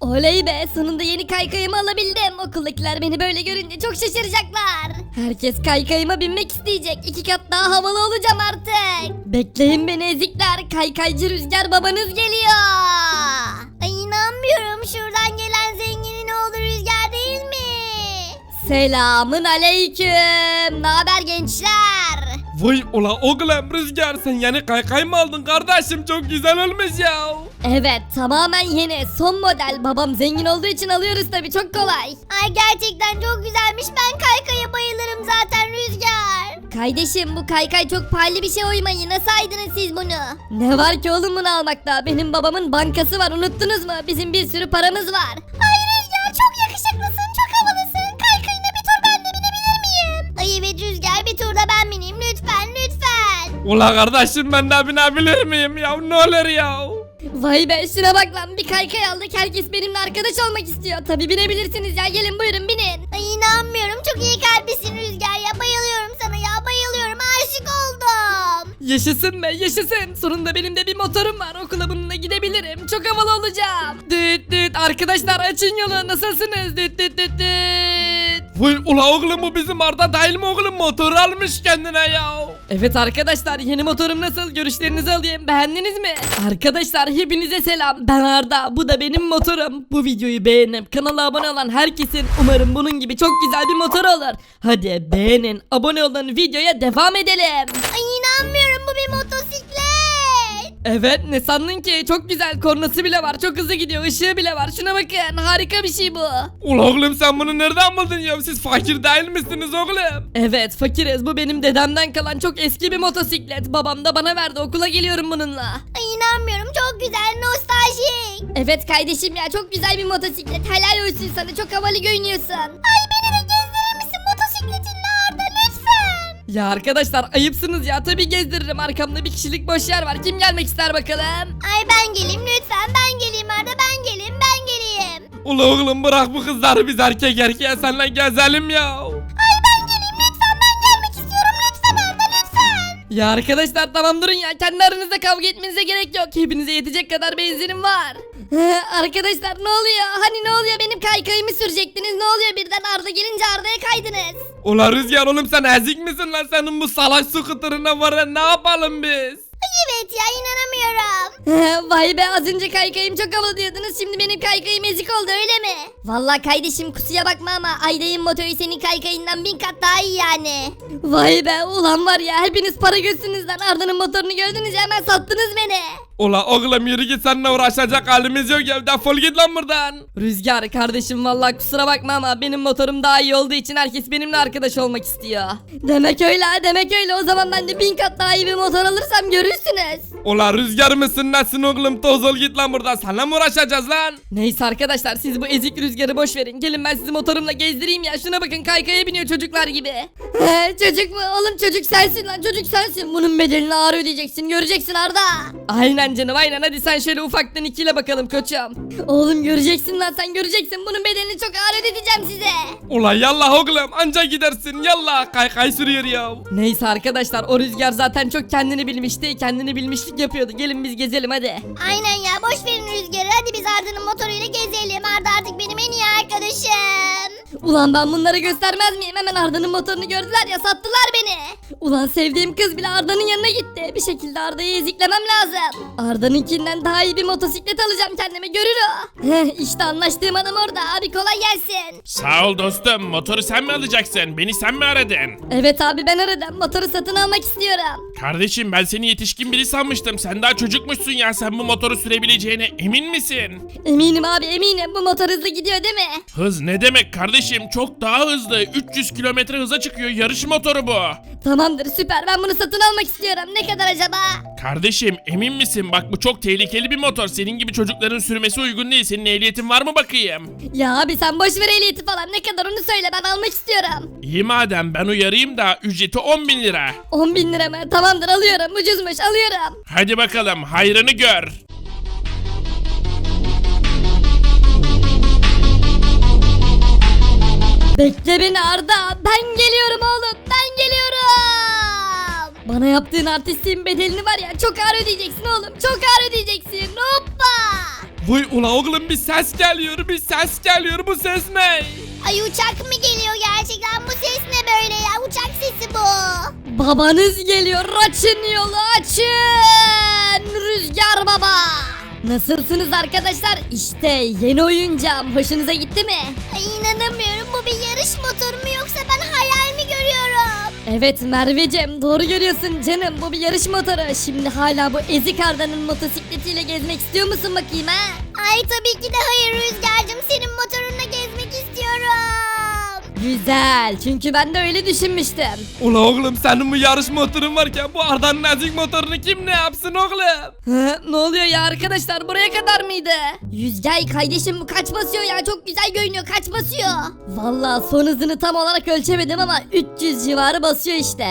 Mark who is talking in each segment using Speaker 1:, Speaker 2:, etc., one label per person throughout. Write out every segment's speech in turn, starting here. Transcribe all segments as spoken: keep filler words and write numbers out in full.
Speaker 1: Oley be, sonunda yeni kaykayımı alabildim. Okuldakiler beni böyle görünce çok şaşıracaklar. Herkes kaykayıma binmek isteyecek. İki kat daha havalı olacağım artık. Bekleyin beni ezikler. Kaykaycı Rüzgar babanız geliyor. Ay inanmıyorum, şuradan gelen zenginin oğlu Rüzgar değil mi? Selamın aleyküm. Naber gençler?
Speaker 2: Vay ula oğlum Rüzgar, sen yeni kaykay mı aldın kardeşim, çok güzel olmuş ya.
Speaker 1: Evet, tamamen yeni, son model. Babam zengin olduğu için alıyoruz tabii, çok kolay. Ay gerçekten çok güzelmiş. Ben kaykaya bayılırım zaten Rüzgar. Kardeşim, bu kaykay çok pahalı bir şey, oymayı nasıl aydınız siz bunu? Ne var ki oğlum bunu almakta? Benim babamın bankası var, unuttunuz mu? Bizim bir sürü paramız var. Ay Rüzgar, çok yakışıklısın, çok havalısın. Kaykayına bir tur ben de binebilir miyim? Ay evet Rüzgar, bir turda ben bineyim lütfen lütfen.
Speaker 2: Ula kardeşim, ben de binebilir miyim ya, ne olur ya.
Speaker 1: Vay be, şuna bak lan, bir kaykay aldık, herkes benimle arkadaş olmak istiyor. Tabi binebilirsiniz ya, gelin buyurun binin. Ay inanmıyorum, çok iyi kalplisin Rüzgar ya, bayılıyorum sana ya, bayılıyorum, aşık oldum.
Speaker 3: Yaşasın be yaşasın. Sonunda benim de bir motorum var. Okula bununla gidebilirim. Çok havalı olacağım. Düt düt. Arkadaşlar açın yolu. Nasılsınız? Düt düt düt düt.
Speaker 2: Vay ula oğlum, bu bizim Arda değil mi oğlum, motor almış kendine ya.
Speaker 3: Evet arkadaşlar, yeni motorum nasıl? Görüşlerinizi alayım. Beğendiniz mi? Arkadaşlar hepinize selam. Ben Arda. Bu da benim motorum. Bu videoyu beğenip kanala abone olan herkesin umarım bunun gibi çok güzel bir motor olur. Hadi beğenin, abone olun, videoya devam edelim.
Speaker 1: Ay inanmıyorum, bu bir motosiklet.
Speaker 3: Evet, ne sandın ki? Çok güzel, kornası bile var, çok hızlı gidiyor, ışığı bile var. Şuna bakın, harika bir şey bu.
Speaker 2: Ula oğlum, sen bunu nereden buldun ya, siz fakir değil misiniz oğlum?
Speaker 3: Evet fakiriz, bu benim dedemden kalan çok eski bir motosiklet. Babam da bana verdi, okula geliyorum bununla.
Speaker 1: Ay inanmıyorum, çok güzel, nostaljik. Evet kardeşim ya, çok güzel bir motosiklet. Helal olsun sana, çok havalı görünüyorsun. Ay beni de gezdirir misin motosikletinle Arda lütfen?
Speaker 3: Ya arkadaşlar ayıpsınız ya, tabii gezdiririm, arkamda bir kişilik boş yer var. Kim gelmek ister bakalım?
Speaker 1: Ay ben geleyim lütfen, ben geleyim Arda, ben geleyim, ben geleyim.
Speaker 2: Ula oğlum, bırak bu kızları, biz erkek erkeğe seninle gezelim ya.
Speaker 1: Ay ben geleyim lütfen, ben gelmek istiyorum lütfen Arda lütfen.
Speaker 3: Ya arkadaşlar tamam durun ya, kendi aranızda kavga etmenize gerek yok. Hepinize yetecek kadar benzinim var.
Speaker 1: Arkadaşlar ne oluyor? Hani ne oluyor, benim kaykayımı sürecektiniz, ne oluyor birden Arda gelince Arda'ya kaydınız?
Speaker 2: Ula Rüzgar oğlum, sen ezik misin lan, senin bu salak skuterına var ya, ne yapalım biz?
Speaker 1: Ay evet ya, inanamıyorum. Vay be, az önce kaykayım çok havalı diyordunuz, şimdi benim kaykayım ezik oldu öyle mi? Vallahi kardeşim kusura bakma ama Ayda'nın motoru senin kaykayından bin kat daha iyi yani. Vay be, ulan var ya, hepiniz para gözsünüz lan. Arda'nın motorunu gördünüz ya, hemen sattınız beni.
Speaker 2: Ula oğlum, yürü git, seninle uğraşacak halimiz yok ya, defol git lan buradan.
Speaker 3: Rüzgar kardeşim, vallahi kusura bakma ama benim motorum daha iyi olduğu için herkes benimle arkadaş olmak istiyor.
Speaker 1: Demek öyle ha, demek öyle, o zaman ben de bin kat daha iyi bir motor alırsam görürsünüz.
Speaker 2: Ula Rüzgar mısın nesin oğlum, toz ol git lan buradan, seninle mi uğraşacağız lan?
Speaker 3: Neyse arkadaşlar, siz bu ezik Rüzgar'ı boş verin. Gelin ben sizi motorumla gezdireyim ya. Şuna bakın, kaykaya biniyor çocuklar gibi.
Speaker 1: He, çocuk mu? Oğlum çocuk sensin lan, çocuk sensin. Bunun bedelini ağır ödeyeceksin, göreceksin Arda.
Speaker 3: Aynen canım aynen, hadi sen şöyle ufaktan ikiyle bakalım koçum.
Speaker 1: Oğlum göreceksin lan, sen göreceksin. Bunun bedelini çok ağır ödeyeceğim size.
Speaker 2: Ula yallah oğlum, anca gidersin, yallah, kaykay sürüyor ya.
Speaker 3: Neyse arkadaşlar, o Rüzgar zaten çok kendini bilmişti. Kendini bilmişlik yapıyordu. Gelin biz gezelim hadi.
Speaker 1: Aynen ya, boş verin Rüzgar'ı, hadi biz Arda'nın motoruyla gezelim. Arda artık benim en iyi arkadaşım. Ulan ben bunlara göstermez miyim? Hemen Arda'nın motorunu gördüler ya, sattılar beni. Ulan sevdiğim kız bile Arda'nın yanına gitti. Bir şekilde Arda'yı eziklemem lazım. Arda'nınkinden daha iyi bir motosiklet alacağım kendime, görür o. Heh, işte anlaştığım adam orada. Abi kolay gelsin.
Speaker 4: Sağ ol dostum. Motoru sen mi alacaksın? Beni sen mi aradın?
Speaker 1: Evet abi, ben aradım. Motoru satın almak istiyorum.
Speaker 4: Kardeşim, ben seni yetişkin biri sanmıştım. Sen daha çocukmuşsun ya. Sen bu motoru sürebileceğine emin misin?
Speaker 1: Eminim abi, eminim. Bu motor hızlı gidiyor değil mi?
Speaker 4: Hız ne demek kardeşim? Çok daha hızlı. üç yüz kilometre hıza çıkıyor. Yarış motoru bu.
Speaker 1: Tamamdır, süper. Ben bunu satın almak istiyorum. Ne kadar acaba?
Speaker 4: Kardeşim, emin misin? Bak bu çok tehlikeli bir motor. Senin gibi çocukların sürmesi uygun değil. Senin ehliyetin var mı bakayım?
Speaker 1: Ya abi sen boş ver ehliyeti falan. Ne kadar onu söyle, ben almak istiyorum.
Speaker 4: İyi madem, ben uyarayım da ücreti on bin lira.
Speaker 1: on bin lira mı? Tamamdır, alıyorum. Ucuzmuş, alıyorum.
Speaker 4: Hadi bakalım, hayrını gör.
Speaker 1: Bekle beni Arda. Ben geliyorum oğlum. Ben geliyorum. Bana yaptığın artistliğin bedelini var ya, çok ağır ödeyeceksin oğlum. Çok ağır ödeyeceksin. Hoppa.
Speaker 2: Vay ula oğlum bir ses geliyor bir ses geliyor bu ses ne?
Speaker 5: Ay uçak mı geliyor gerçekten? Bu ses ne böyle ya? Uçak sesi bu.
Speaker 1: Babanız geliyor, açın yolu açın. Rüzgar baba. Nasılsınız arkadaşlar? İşte yeni oyuncağım. Hoşunuza gitti mi?
Speaker 5: Ay inanamıyorum. Bu bir yarış motoru mu yoksa ben hayal mi görüyorum?
Speaker 1: Evet Merveciğim, doğru görüyorsun canım. Bu bir yarış motoru. Şimdi hala bu ezik Arda'nın motosikletiyle gezmek istiyor musun bakayım ha?
Speaker 5: Ay tabii ki de hayır Rüzgar'cığım. Senin motorunla gezmek istiyorum.
Speaker 1: Güzel. Çünkü ben de öyle düşünmüştüm.
Speaker 2: Ula oğlum senin bu yarış motorun varken bu Arda'nın ezik motorunu kim ne yapsın oğlum?
Speaker 3: Hı, ne oluyor ya arkadaşlar, buraya kadar mıydı?
Speaker 1: Yüzgay kardeşim bu kaç basıyor ya? Çok güzel görünüyor. Kaç basıyor? Vallahi son hızını tam olarak ölçemedim ama üç yüz civarı basıyor işte.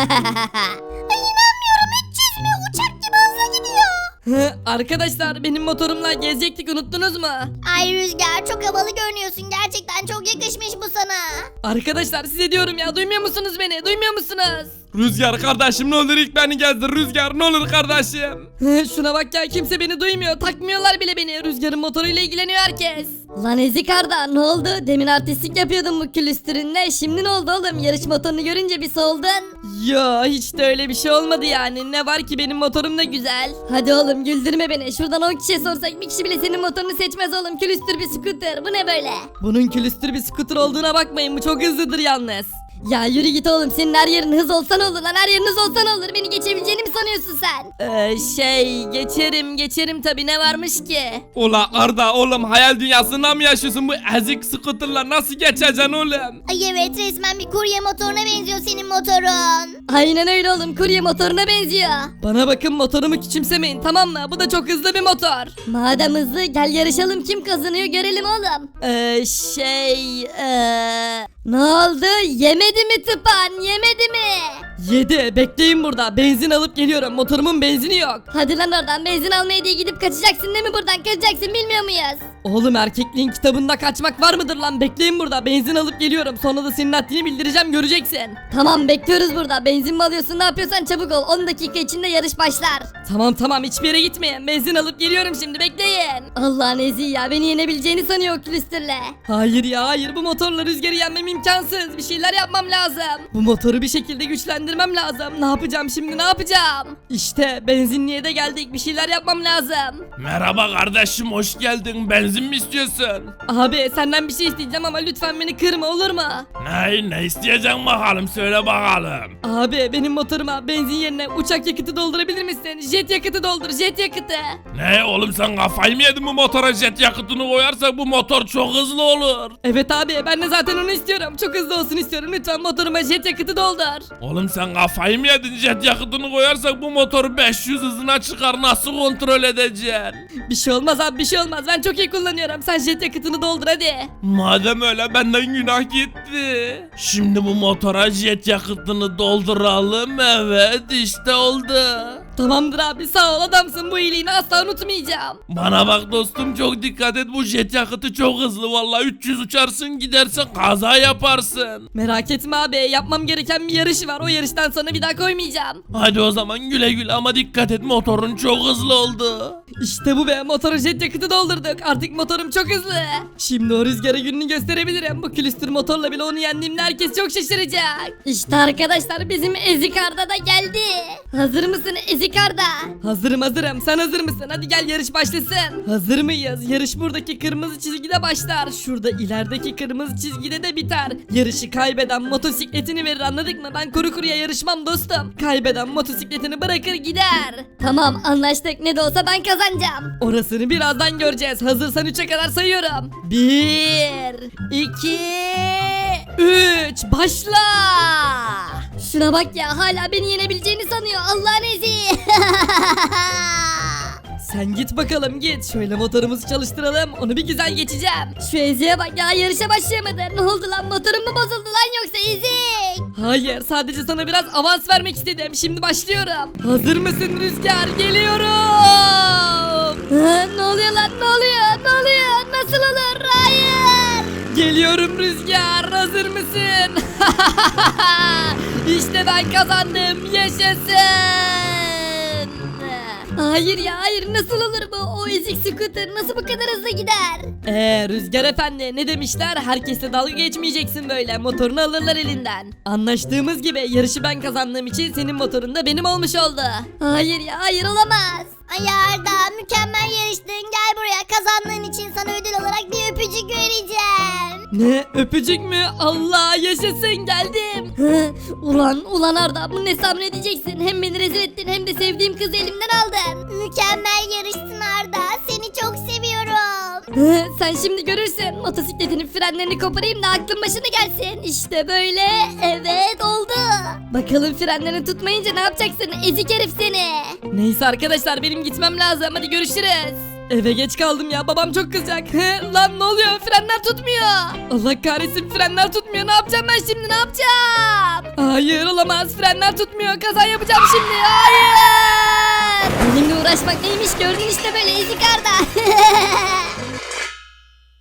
Speaker 5: Ay inanmıyorum. üç yüz mü? Uçak gibi hızlı gidiyor.
Speaker 3: Hı, arkadaşlar benim motorumla gezecektik, unuttunuz mu?
Speaker 5: Ay Rüzgar çok havalı görünüyorsun. Gerçekten çok yakışmış bu sana.
Speaker 3: Arkadaşlar size diyorum ya, duymuyor musunuz beni, duymuyor musunuz?
Speaker 2: Rüzgar kardeşim ne olur ilk beni gezdir Rüzgar ne olur kardeşim.
Speaker 3: Hı, şuna bak ya, kimse beni duymuyor, takmıyorlar bile beni. Rüzgar'ın motoruyla ilgileniyor herkes.
Speaker 1: Lan ezik Arda ne oldu? Demin artistlik yapıyordun bu külüstürünle. Şimdi ne oldu oğlum? Yarış motorunu görünce bir soldun.
Speaker 3: Ya hiç de öyle bir şey olmadı yani. Ne var ki, benim motorum da güzel.
Speaker 1: Hadi oğlum güldürme beni. Şuradan on kişiye sorsak bir kişi bile senin motorunu seçmez oğlum. Külüstür bir scooter. Bu ne böyle?
Speaker 3: Bunun külüstür bir scooter olduğuna bakmayın, bu çok hızlıdır yalnız.
Speaker 1: Ya yürü git oğlum. Senin her yerin hız olsa ne olur lan? Her yerin hız olsa ne olur? Beni geçebileceğini mi sanıyorsun sen?
Speaker 3: Ee, şey geçerim geçerim tabi, ne varmış ki?
Speaker 2: Ula Arda oğlum hayal dünyasında mı yaşıyorsun bu ezik scooterla nasıl geçeceksin oğlum?
Speaker 5: Ay evet resmen bir kurye motoruna benziyor senin motorun.
Speaker 1: Aynen öyle oğlum. Kurye motoruna benziyor.
Speaker 3: Bana bakın, motorumu küçümsemeyin, tamam mı? Bu da çok hızlı bir motor.
Speaker 1: Madem hızlı gel yarışalım. Kim kazanıyor görelim oğlum.
Speaker 3: Ee, şey ee...
Speaker 1: Ne oldu? Yemedi mi tıpan? Yemedi mi?
Speaker 3: Yedi, bekleyin burada, benzin alıp geliyorum, motorumun benzini yok.
Speaker 1: Hadi lan oradan benzin almaya diye gidip kaçacaksın değil mi buradan? Kaçacaksın bilmiyor muyuz?
Speaker 3: Oğlum erkekliğin kitabında kaçmak var mıdır lan? Bekleyin burada, benzin alıp geliyorum, sonra da senin haddini bildireceğim, göreceksin.
Speaker 1: Tamam bekliyoruz burada. Benzin mi alıyorsun ne yapıyorsan çabuk ol. on dakika içinde yarış başlar.
Speaker 3: Tamam tamam, hiçbir yere gitmeyin, benzin alıp geliyorum şimdi, bekleyin.
Speaker 1: Allah'ın ezi ya beni yenebileceğini sanıyor o külüstürle.
Speaker 3: Hayır ya hayır, bu motorla Rüzgar'ı yenmem imkansız, bir şeyler yapmam lazım. Bu motoru bir şekilde güçlendirmem lazım. Ne yapacağım şimdi, ne yapacağım? İşte benzinliğe de geldik, bir şeyler yapmam lazım.
Speaker 4: Merhaba kardeşim hoş geldin. Benzin mi istiyorsun?
Speaker 3: Abi senden bir şey isteyeceğim ama lütfen beni kırma, olur mu?
Speaker 4: Ne ne isteyeceksin bakalım söyle bakalım.
Speaker 3: Abi benim motoruma benzin yerine uçak yakıtı doldurabilir misin? Jet yakıtı doldur, jet yakıtı.
Speaker 4: Ne oğlum sen kafayı mı yedin bu motora jet yakıtını koyarsak bu motor çok hızlı olur.
Speaker 3: Evet abi, ben de zaten onu istiyorum. Çok hızlı olsun istiyorum. Lütfen motoruma jet yakıtı doldur.
Speaker 4: Oğlum sen kafayı mı yedin jet yakıtını koyarsak bu motoru beş yüz hızına çıkar nasıl kontrol edeceksin?
Speaker 3: Bir şey olmaz abi, bir şey olmaz. Ben çok iyi kullanıyorum. Sen jet yakıtını doldur hadi.
Speaker 4: Madem öyle benden günah gitti. Şimdi bu motora jet yakıtını dolduralım, evet işte oldu.
Speaker 3: Tamamdır abi, sağ ol, adamsın, bu iyiliğini asla unutmayacağım.
Speaker 4: Bana bak dostum çok dikkat et bu jet yakıtı çok hızlı vallahi üç yüz uçarsın gidersen kaza yaparsın.
Speaker 3: Merak etme abi, yapmam gereken bir yarış var. O yarıştan sonra bir daha koymayacağım.
Speaker 4: Hadi o zaman güle güle ama dikkat et motorun çok hızlı oldu.
Speaker 3: İşte bu be, motora jet yakıtı doldurduk. Artık motorum çok hızlı. Şimdi o Rüzgar'a gününü gösterebilirim. Bu külüstür motorla bile onu yendiğimde herkes çok şaşıracak.
Speaker 1: İşte arkadaşlar bizim Ezik Arda da geldi. Hazır mısın Ezik Arda?
Speaker 3: Hazırım hazırım. Sen hazır mısın? Hadi gel yarış başlasın. Hazır mıyız? Yarış buradaki kırmızı çizgide başlar. Şurada ilerideki kırmızı çizgide de biter. Yarışı kaybeden motosikletini verir, anladık mı? Ben kuru kuruya yarışmam dostum. Kaybeden motosikletini bırakır gider.
Speaker 1: Tamam anlaştık ne de olsa ben kazanacağım.
Speaker 3: Orasını birazdan göreceğiz. Hazırsan üçe kadar sayıyorum. Bir, iki, üç, başla.
Speaker 1: Şuna bak ya hala beni yenebileceğini sanıyor Allah'ın ezi.
Speaker 3: Sen git bakalım git. Şöyle motorumuzu çalıştıralım. Onu bir güzel geçeceğim.
Speaker 1: Şu Ezi'ye bak ya yarışa başlayamadı. Ne oldu lan motorum mu bozuldu lan yoksa Ezik?
Speaker 3: Hayır, sadece sana biraz avans vermek istedim. Şimdi başlıyorum. Hazır mısın Rüzgar? Geliyorum.
Speaker 1: Ha, ne oluyor lan ne oluyor ne oluyor nasıl olur hayır.
Speaker 3: Geliyorum Rüzgar. Hazır mısın? İşte ben kazandım. Yaşasın.
Speaker 1: Hayır ya hayır nasıl olur bu? o ezik scooter nasıl bu kadar hızlı gider?
Speaker 3: Eee Rüzgar Efendi ne demişler? Herkesle dalga geçmeyeceksin böyle. Motorunu alırlar elinden. Anlaştığımız gibi yarışı ben kazandığım için senin motorun da benim olmuş oldu.
Speaker 1: Hayır ya hayır olamaz.
Speaker 5: Ay Arda mükemmel yarıştın. Gel buraya, kazandığın için sana ödül olarak bir öpücük vereceğim.
Speaker 3: Ne öpücük mü? Allah yaşasın geldim.
Speaker 1: Hı, ulan ulan Arda bunu ne sabredeceksin? Hem beni rezil ettin hem de sevdiğim kızı elimden aldın.
Speaker 5: Mükemmel yarıştın Arda. Seni çok seviyorum.
Speaker 1: Hı, sen şimdi görürsün. Motosikletinin frenlerini koparayım da aklın başına gelsin. İşte böyle. Evet oldu. Bakalım frenlerini tutmayınca ne yapacaksın? Ezik herif seni.
Speaker 3: Neyse arkadaşlar benim gitmem lazım. Hadi görüşürüz. Eve geç kaldım ya babam çok kızacak. He, lan ne oluyor frenler tutmuyor. Allah kahretsin frenler tutmuyor. Ne yapacağım ben şimdi ne yapacağım? Hayır olamaz frenler tutmuyor. Kaza yapacağım şimdi. Hayır.
Speaker 1: Benimle uğraşmak neymiş gördün işte böyle ezik Arda.